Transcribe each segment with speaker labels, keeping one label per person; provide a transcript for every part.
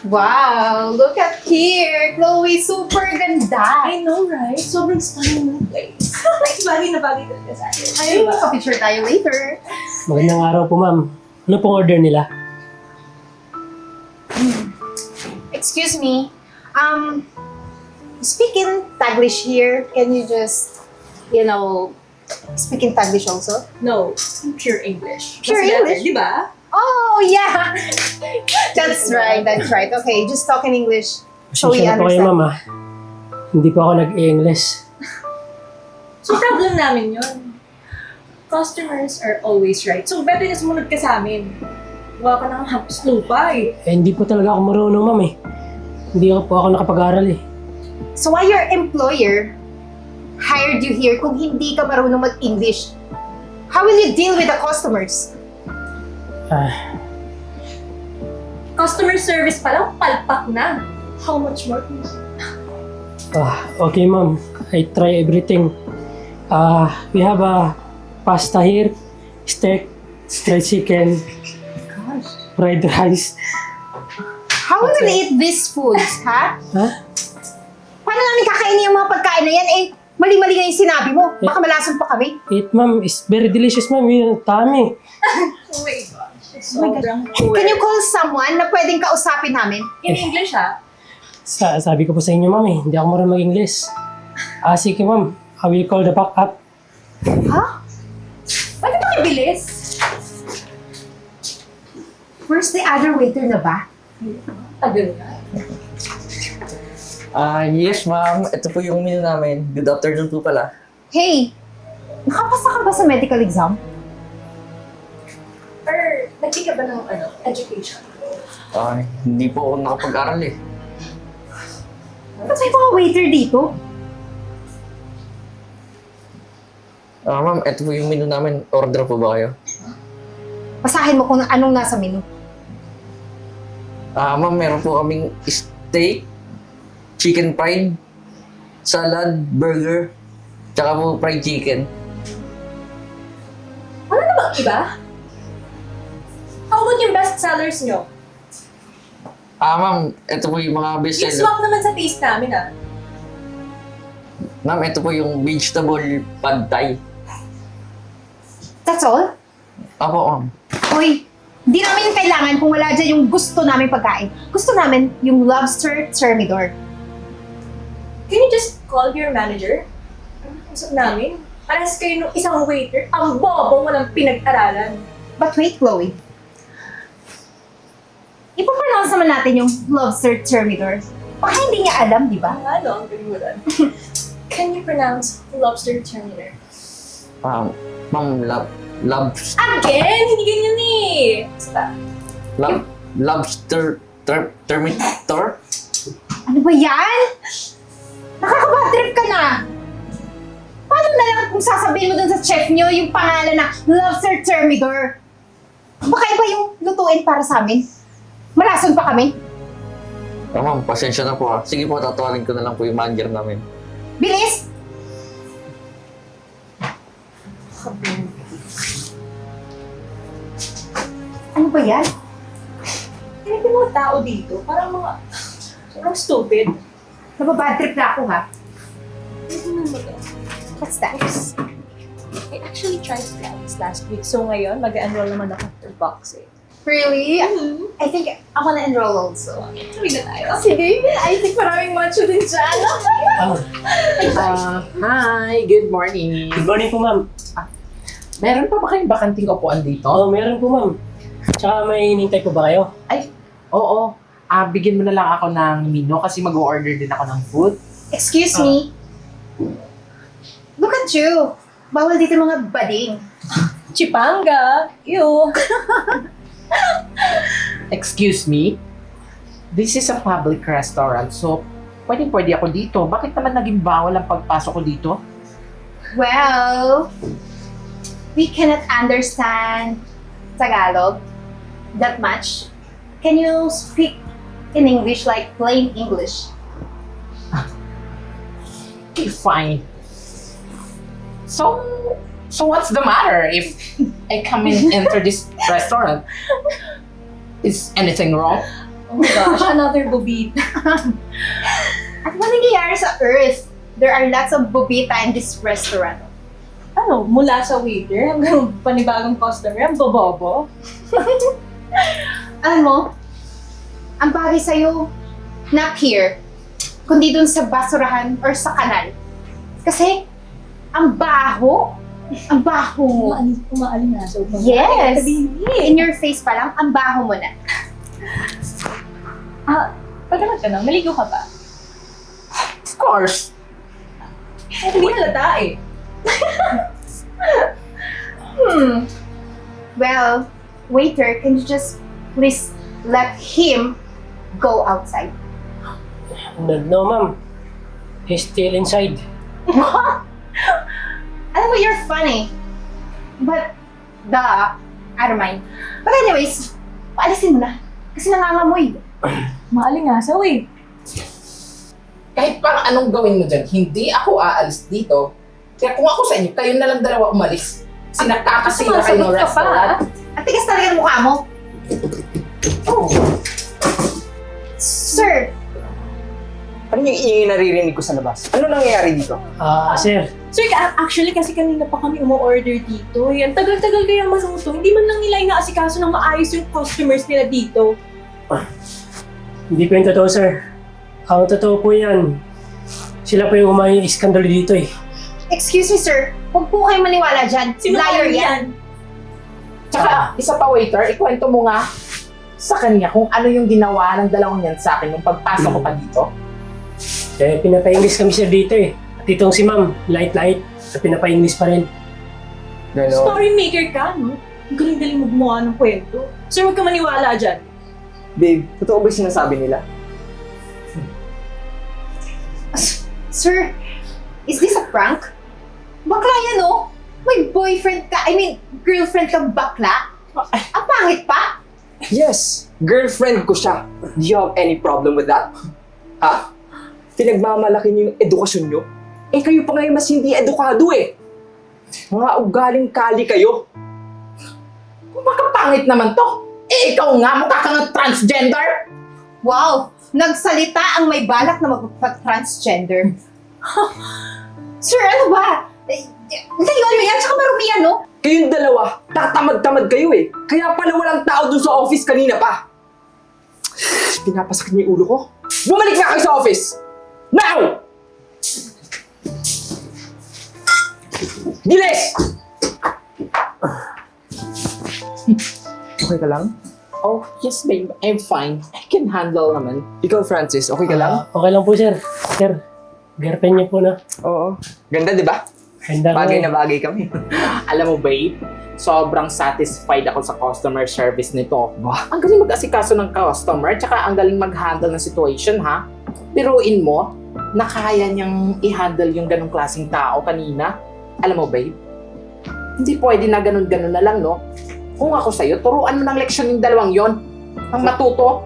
Speaker 1: Wow, look at here. Chloe, super ganda.
Speaker 2: I know, right? Sobrang stunning ng place. Like, bagay na bagay talaga sa akin.
Speaker 1: Ay, magpa-picture tayo later.
Speaker 3: Magandang araw po, ma'am. Ano pong order nila?
Speaker 1: Excuse me. Speak in Taglish here. Can you just, speak in Taglish also?
Speaker 2: No, pure English.
Speaker 1: Pure
Speaker 2: Mas better,
Speaker 1: English?
Speaker 2: Di ba?
Speaker 1: Oh, yeah. That's right. Okay, just talk in English. So we
Speaker 3: Pasensya na po kayo,
Speaker 1: understand.
Speaker 3: ma'am, Hindi po ako nag-English.
Speaker 2: So, problem namin yun. Customers are always right. So, better na sumunod ka sa amin. Gawa ka ng hapos lupa eh.
Speaker 3: Hindi po talaga ako marunong, ma'am Hindi po ako nakapag-aral
Speaker 1: So why your employer hired you here kung hindi ka marunong mag-English? How will you deal with the customers?
Speaker 2: Customer service pa lang, palpak na. How much more?
Speaker 3: Okay, ma'am. I try everything. We have a pasta here, steak, fried chicken, fried rice.
Speaker 1: How will we eat these foods, ha?
Speaker 3: Ha?
Speaker 1: Paano namin kakainin yung mga pagkain na yan? Mali-mali nga yung sinabi mo. Baka malason pa kami.
Speaker 3: It, ma'am, is very delicious, ma'am. Yung tami.
Speaker 2: Oh my gosh. Sobrang
Speaker 1: Can you call someone na pwedeng kausapin namin?
Speaker 2: In English, ha?
Speaker 3: Sabi ko po sa inyo, ma'am Hindi ako marunong mag-English. Sige, ma'am. I will call the backup.
Speaker 1: Ha?
Speaker 2: Ba't ito kibilis?
Speaker 1: Where's the other waiter na ba?
Speaker 2: Tagal na.
Speaker 4: Yes ma'am. Ito po yung menu namin. Good afternoon po pala.
Speaker 1: Hey, nakapasa ka ba sa medical exam?
Speaker 2: Or, nag-check ka ba ng education?
Speaker 4: Hindi po ako nakapag-aral eh.
Speaker 1: Ba't may mga waiter dito?
Speaker 4: Ma'am, ito po yung menu namin. Order po ba kayo?
Speaker 1: Basahin mo kung anong nasa menu.
Speaker 4: Ma'am, meron po kaming steak, chicken fried, salad, burger, tsaka po fried chicken.
Speaker 2: Wala na bang iba? How about yung best sellers nyo?
Speaker 4: Ma'am, ito po yung mga best
Speaker 2: Yung
Speaker 4: seller.
Speaker 2: swak naman sa taste namin, ha?
Speaker 4: Ma'am, ito po yung vegetable pad thai.
Speaker 1: That's all?
Speaker 4: Apo, ma'am.
Speaker 1: Hoy, di namin kailangan kung wala dyan yung gusto namin pagkain. Gusto namin yung lobster thermidor.
Speaker 2: Can you just call your manager? Ano usap namin? Parehas kayo nung isang waiter, ang bobo walang pinag-aralan.
Speaker 1: But wait, Chloe. Ipapronounce naman natin yung lobster thermidor. Baka hindi niya alam, di ba?
Speaker 2: Ano, ang galing mo doon. Can you pronounce lobster terminator?
Speaker 4: Ma'am,
Speaker 2: Again? Hindi ganyan eh! Basta.
Speaker 4: lobster terminator?
Speaker 1: Ano ba yan? Nakakabad trip ka na! Paano na lang kung sasabihin mo dun sa chef nyo yung pangalan na lobster thermidor? Baka iba yung lutuin para sa amin. Malason pa kami.
Speaker 4: Ma'am, pasensya na po ha. Sige po, tatawarin ko na lang po yung manager namin.
Speaker 1: Bilis! Ano ba yan?
Speaker 2: Kaya yung mga tao dito, parang mga... Sobrang stupid.
Speaker 1: Nababad trip na ako ha.
Speaker 2: Ano ba to?
Speaker 1: What's that?
Speaker 2: I actually tried plans last week. So ngayon, mag-enroll naman ako after boxing.
Speaker 1: Really? I think I wanna enroll also.
Speaker 2: Tuloy na tayo.
Speaker 1: Sige, I think maraming macho din dyan.
Speaker 5: Hi, good morning.
Speaker 3: Good morning po, ma'am.
Speaker 5: Meron pa ba kayong bakanting upuan dito?
Speaker 3: Meron po, ma'am. Tsaka may hinintay po ba kayo?
Speaker 5: Oo. Bigyan mo na lang ako ng menu kasi mag-order din ako ng food.
Speaker 1: Excuse me. Look at you. Bawal dito mga bading.
Speaker 2: Chipanga! Ew!
Speaker 5: Excuse me? This is a public restaurant, so pwede ako dito. Bakit naman naging bawal ang pagpasok ko dito?
Speaker 1: Well, we cannot understand Tagalog that much. Can you speak in English, like plain English?
Speaker 5: Okay, fine. So what's the matter if I come in enter this restaurant? Is anything wrong?
Speaker 2: Oh my gosh, another bobita.
Speaker 1: At ano nangyayari sa Earth? There are lots of bobita in this restaurant.
Speaker 2: Ano, mula sa waiter hanggang panibagong customer, ang bobobo.
Speaker 1: Alam mo, ang bagay sa'yo, not here, kundi dun sa basurahan or sa kanal. Kasi, ang baho. Ang baho mo.
Speaker 2: Umaaling na. So,
Speaker 1: Yes!
Speaker 2: Sabihin,
Speaker 1: In your face pa lang, ang baho mo na.
Speaker 2: pagkamat ka na, maligo ka ba?
Speaker 5: Of course.
Speaker 2: Hindi halata eh.
Speaker 1: Well, waiter, can you just please let him go outside?
Speaker 3: No, ma'am. He's still inside.
Speaker 1: Alam mo, you're funny. But, I don't mind. But anyways, paalisin mo na. Kasi nangangamoy.
Speaker 2: Maalingasaw eh.
Speaker 5: Kahit parang anong gawin mo dyan, hindi ako aalis dito. Kaya kung ako sa inyo, kayo na lang dalawa umalis. Sinagkakasila kayo ng
Speaker 2: Sumasagot ka pa,
Speaker 5: restaurant.
Speaker 1: At tigas talaga ng mukha mo.
Speaker 5: Oh.
Speaker 1: Sir,
Speaker 6: Ano yung ingay naririnig ko sa labas? Ano nangyayari dito?
Speaker 3: Sir,
Speaker 2: Sir, actually kasi kanina pa kami umu-order dito. Ang tagal-tagal kaya maluto. Hindi man lang nila inaasikaso ng maayos yung customers nila dito.
Speaker 3: hindi po yung totoo, sir. Ang totoo po yan. Sila po yung umay iskandalo dito eh.
Speaker 1: excuse me sir. Huwag po kayo maniwala dyan.
Speaker 2: Sino
Speaker 1: Liar
Speaker 2: kaya
Speaker 1: yan.
Speaker 5: Tsaka, isa pa waiter, ikwento mo nga sa kanya kung ano yung ginawa ng dalawang yan sa akin nung pagpasok ko pa dito.
Speaker 3: Eh, pinapa-English kami sir dito eh. At itong si ma'am, light-light. At pinapa-English pa rin.
Speaker 6: Gano'n?
Speaker 2: Story maker ka, no? Ang galing-galing mo gumawa ng kwento. Sir, huwag ka maniwala dyan.
Speaker 6: Babe, totoo ba yung sinasabi nila?
Speaker 1: Sir, is this a prank? Bakla yan, oh. May boyfriend ka, girlfriend ka bakla? Ang pangit pa?
Speaker 6: Yes! Girlfriend ko siya. Do you have any problem with that? Ha? Pinagmamalaki niyo yung edukasyon niyo? Eh kayo pa ngayon mas hindi edukado eh. Mga ugaling kali kayo.
Speaker 5: Kung makapangit naman to, eh ikaw nga mukha kang transgender.
Speaker 1: Wow! Nagsalita ang may balak na magpag-transgender. Sir, ano ba? Layuan mo yan, tsaka marumi yan, no?
Speaker 6: Kayong dalawa, tatamad-tamad kayo eh. Kaya pala walang tao dun sa office kanina pa. Pinapasakit niyo yung ulo ko. Bumalik na kayo sa office! Now! Bilis! Okay ka lang?
Speaker 5: Oh, yes babe, I'm fine. I can handle naman.
Speaker 6: Ikaw, Francis, okay ka lang?
Speaker 3: Okay lang po sir. Sir, girlfriend niyo po na.
Speaker 6: Oo. Ganda, di ba?
Speaker 3: Handa ko.
Speaker 6: Bagay na bagay kami.
Speaker 5: Alam mo babe, sobrang satisfied ako sa customer service nito.
Speaker 6: Wow.
Speaker 5: Ang galing mag-asikaso ng customer, tsaka ang galing mag-handle ng situation ha. Biruin mo, na kaya niyang i-handle yung ganong klaseng tao kanina. Alam mo babe, hindi pwede na ganun-ganun na lang no. Kung ako sa'yo, turuan mo ng leksyon yung dalawang yon. Ang matuto.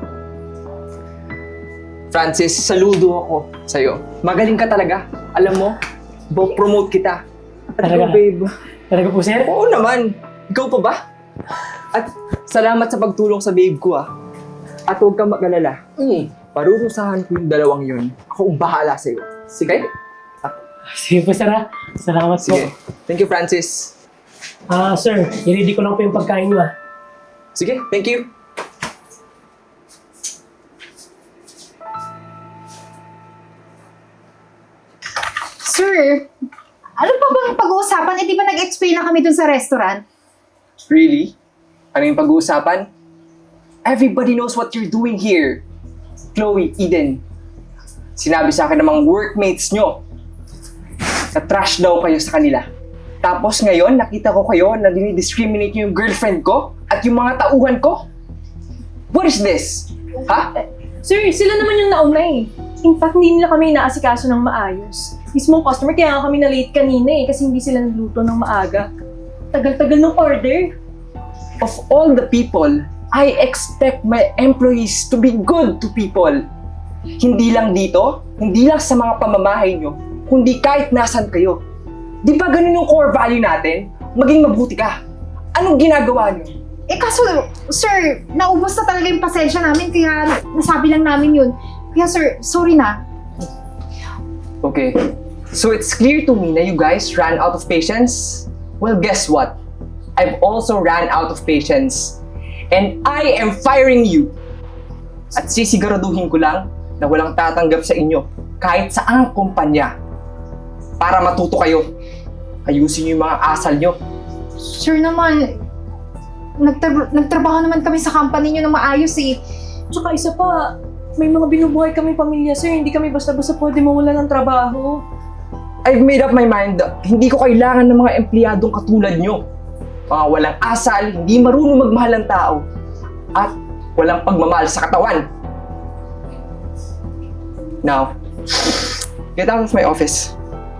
Speaker 6: Francis, saludo ako sa'yo. Magaling ka talaga. Alam mo, promote kita. At
Speaker 3: Talaga?
Speaker 6: ikaw, babe.
Speaker 3: Talaga po sir?
Speaker 6: Oo naman. Ikaw pa ba? At salamat sa pagtulong sa babe ko ah. At huwag kang mag-alala. Parurusahan ko yung dalawang yun. Ako ang bahala sa'yo. Sige?
Speaker 3: Sige po sir ha. Salamat po.
Speaker 6: Sige. Thank you, Francis.
Speaker 3: Sir, i-ready ko lang po yung pagkain niyo
Speaker 6: Sige, thank you.
Speaker 1: Sir, ano pa bang pag-uusapan? Eh, di ba nag-explain na kami dun sa restaurant?
Speaker 6: Really? Ano yung pag-uusapan? Everybody knows what you're doing here. Chloe, Eden. Sinabi sa akin ng mga workmates nyo na trash daw kayo sa kanila. Tapos ngayon, nakita ko kayo na dinidiscriminate nyo yung girlfriend ko at yung mga tauhan ko. What is this? Ha?
Speaker 2: Sir, sila naman yung nauna eh. In fact, hindi nila kami inaasikaso ng maayos. Mismong customer, kaya nga kami na-late kanina eh, kasi hindi sila nagluto ng maaga. Tagal-tagal ng order.
Speaker 6: Of all the people, I expect my employees to be good to people. Hindi lang dito, hindi lang sa mga pamamahay nyo, kundi kahit nasan kayo. Di ba ganun yung core value natin? Maging mabuti ka. Anong ginagawa nyo?
Speaker 1: Eh kaso, sir, naubos na talaga yung pasensya namin kaya nasabi lang namin yun. Kaya sir, sorry na.
Speaker 6: Okay. So it's clear to me na you guys ran out of patience? Well, guess what? I've also ran out of patience. And I am firing you! At sisiguraduhin ko lang na walang tatanggap sa inyo kahit saang kumpanya para matuto kayo. Ayusin niyo yung mga asal nyo.
Speaker 1: Sir naman, nagtrabaho naman kami sa company nyo na maayos eh.
Speaker 2: Tsaka isa pa, may mga binubuhay kami pamilya, sir. Hindi kami basta-basta pwede mawala ng trabaho.
Speaker 6: I've made up my mind. Hindi ko kailangan ng mga empleyadong katulad nyo. Mga walang asal, hindi marunong magmahal ng tao, at walang pagmamahal sa katawan. Now, get out of my office.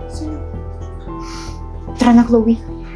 Speaker 1: Tara na, Chloe.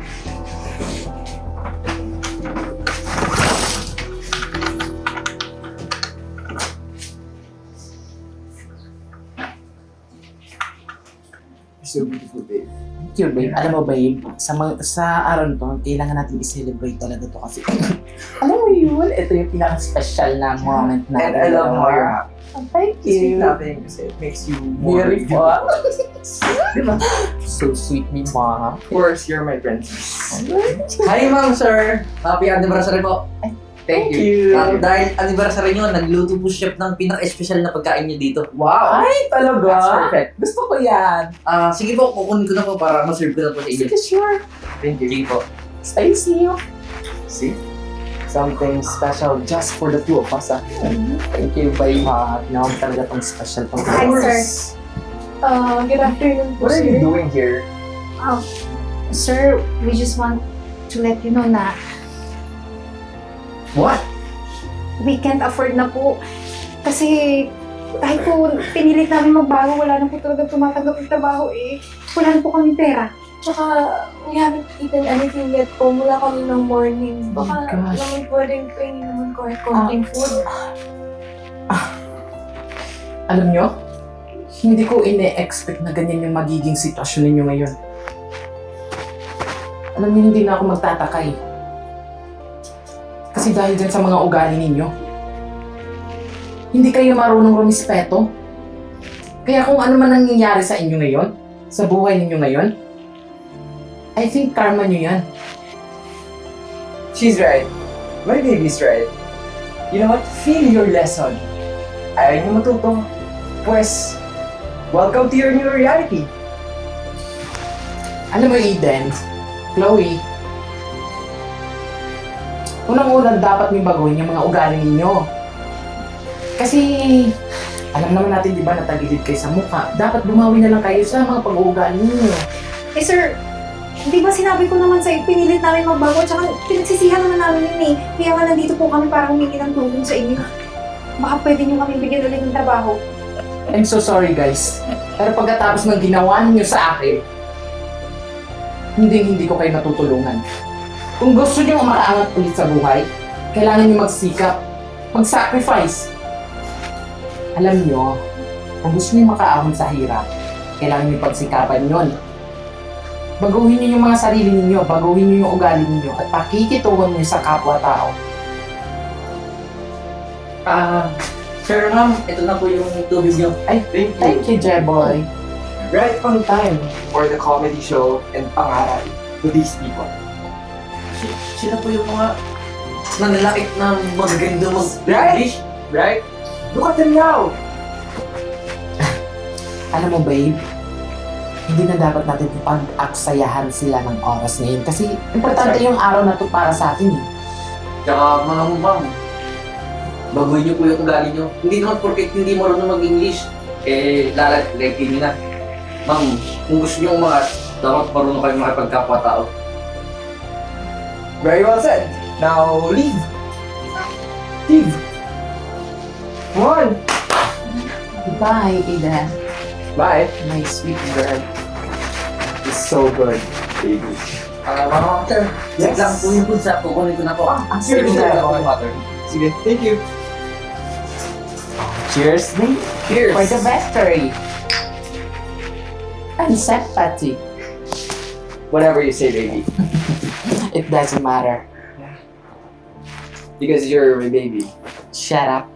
Speaker 5: So beautiful, babe. Thank you, babe. Alam mo, babe, sa araw nito, kailangan natin i-celebrate talaga to kasi alam mo yun, ito yung pinaka-special na moment na.
Speaker 6: And I love how you're happy.
Speaker 5: Thank
Speaker 6: Sweet
Speaker 5: you.
Speaker 6: nothing kasi it makes you more
Speaker 5: Beautiful. Diba? So sweet ni Ma.
Speaker 6: Of course, you're my princess.
Speaker 4: Hi, ma'am, sir. Happy anniversary po.
Speaker 6: Thank you.
Speaker 4: Dahil anniversary nyo, nagluto po chef ng pinaka-espesyal na pagkain nyo dito.
Speaker 5: Wow! Ay, talaga?
Speaker 6: That's perfect.
Speaker 5: Gusto ko yan.
Speaker 4: Sige po, kukunin ko na po para ma-serve ko na po sa inyo.
Speaker 5: Sige, sure.
Speaker 6: Thank you.
Speaker 4: Sige po.
Speaker 5: Stacy.
Speaker 6: See? Something special just for the two of us, ah.
Speaker 5: Thank you, babe. Tinawag talaga tong special tong
Speaker 1: Hi, sir.
Speaker 2: Good afternoon po,
Speaker 6: What are
Speaker 2: sir.
Speaker 6: you doing here?
Speaker 1: Sir, we just want to let you know na
Speaker 6: What?
Speaker 1: we can't afford na po. Kasi kahit po pinilit namin magbago, wala na po talaga tumatanggap ng trabaho eh. Wala na po kami pera.
Speaker 2: Tsaka, we haven't eaten anything yet po mula kaninang morning.
Speaker 5: Oh my
Speaker 2: Baka
Speaker 5: gosh.
Speaker 2: naman pwedeng kainin naman kahit konting food.
Speaker 5: Alam nyo, hindi ko ine-expect na ganyan yung magiging sitwasyon ninyo ngayon. Alam niyo, hindi na ako magtataka eh. Kasi dahil dyan sa mga ugali ninyo, hindi kayo marunong rumispeto. Kaya kung ano man nangyayari sa inyo ngayon, sa buhay ninyo ngayon, I think karma nyo yan.
Speaker 6: She's right. My baby's right. You know what? Feel your lesson. Ayaw niyo matuto. Pues, welcome to your new reality.
Speaker 5: Alam mo, Eden, Chloe, unang-unang dapat niyo baguhin yung mga ugali ninyo. Kasi, alam naman natin, di ba, natagilid kayo sa mukha. Dapat bumawi na lang kayo sa mga pag-uugali ninyo.
Speaker 1: Eh sir, di ba sinabi ko naman sa'yo, pinilit namin magbago, tsaka pinagsisihan naman namin yun eh. Kaya nga nandito po kami para humingi ng tulong sa inyo. Baka pwede nyo kami bigyan ulit ng trabaho.
Speaker 5: I'm so sorry, guys. Pero pagkatapos ng ginawa niyo sa akin, hindi ko kayo matutulungan. Kung gusto niyo makaangat ulit sa buhay, kailangan niyo magsikap, mag-sacrifice. Alam niyo, kung gusto niyo makaahon sa hirap, kailangan niyo pagsikapan yon. Baguhin niyo yung mga sarili ninyo, baguhin niyo yung ugali ninyo, at pakikitungan niyo sa kapwa-tao.
Speaker 4: Sir, ma'am, ito na po yung tubig nyo.
Speaker 5: Ay, thank you, Jeboy.
Speaker 6: Right on time for the comedy show and pangaral to these people.
Speaker 4: Sila po yung mga nanlalakit na magaganda
Speaker 6: Right?
Speaker 4: mag-English.
Speaker 6: Right? Look at them now!
Speaker 5: Alam mo, babe, hindi na dapat natin pag-aksayahan sila ng oras ngayon kasi importante yung araw na to para sa atin eh.
Speaker 4: Tsaka mga ma'am, baguhin niyo po yung ugali niyo. Hindi naman porket hindi marunong mag-English, lalagay niyo na. Ma'am, kung gusto niyo umangat, dapat marunong kayo makipagkapwa-tao.
Speaker 6: Very well said. Now, leave. Leave. Come on.
Speaker 5: Goodbye, Eden.
Speaker 6: Bye.
Speaker 5: My sweet girl. It's so good, baby.
Speaker 4: Mga sir, yes lang po yung food sa kukunin ko na po.
Speaker 5: Ang sweet
Speaker 4: Sir,
Speaker 5: girl.
Speaker 4: water.
Speaker 6: Sige, thank you.
Speaker 5: Cheers, babe.
Speaker 6: Cheers.
Speaker 5: For the victory. And sympathy.
Speaker 6: Whatever you say, baby.
Speaker 5: It doesn't matter.
Speaker 4: Because you're my baby.
Speaker 5: Shut up.